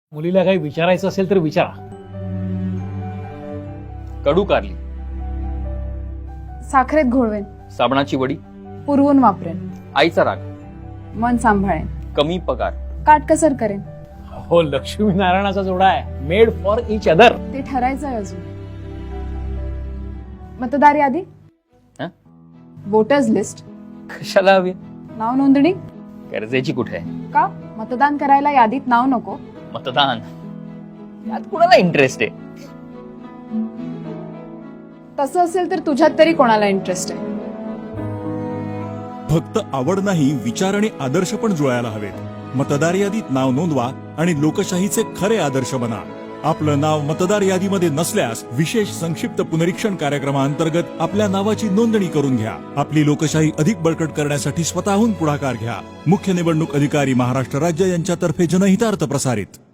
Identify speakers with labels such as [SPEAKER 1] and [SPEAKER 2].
[SPEAKER 1] मुलीला काही विचारायचं असेल तर विचारा.
[SPEAKER 2] कडू कारली,
[SPEAKER 3] साखरेत घोळवेन,
[SPEAKER 2] साबणाची वडी,
[SPEAKER 3] पुरवून वापरेन,
[SPEAKER 2] आईचा राग,
[SPEAKER 3] मन सांभाळेन,
[SPEAKER 2] कमी पगार.
[SPEAKER 3] काटकसर करेन.
[SPEAKER 1] हो, लक्ष्मीनारायणाचा जोडा आहे, मेड फॉर इच अदर.
[SPEAKER 3] ते ठरायचंय अजून. मतदार यादी,
[SPEAKER 2] हं?
[SPEAKER 3] वोटर्स लिस्ट,
[SPEAKER 2] कशाला हवी?
[SPEAKER 3] नाव नोंदणी.
[SPEAKER 2] गरजेची कुठे आहे?
[SPEAKER 3] का मतदान करायला यादीत नाव नको?
[SPEAKER 2] मतदान यात कुणाला इंटरेस्ट आहे?
[SPEAKER 3] तसं असेल तर तुझ्यात तरी कोणाला इंटरेस्ट आहे?
[SPEAKER 4] फक्त आवड नाही, विचार आणि आदर्श पण जुळायला हवेत. मतदार यादीत नाव नोंदवा आणि लोकशाहीचे खरे आदर्श बना. आपलं नाव मतदार यादीमध्ये नसल्यास विशेष संक्षिप्त पुनरीक्षण कार्यक्रमाअंतर्गत आपल्या नावाची नोंदणी करून घ्या. आपली लोकशाही अधिक बळकट करण्यासाठी स्वतःहून पुढाकार घ्या. मुख्य निवडणूक अधिकारी महाराष्ट्र राज्य यांच्यातर्फे जनहितार्थ प्रसारित.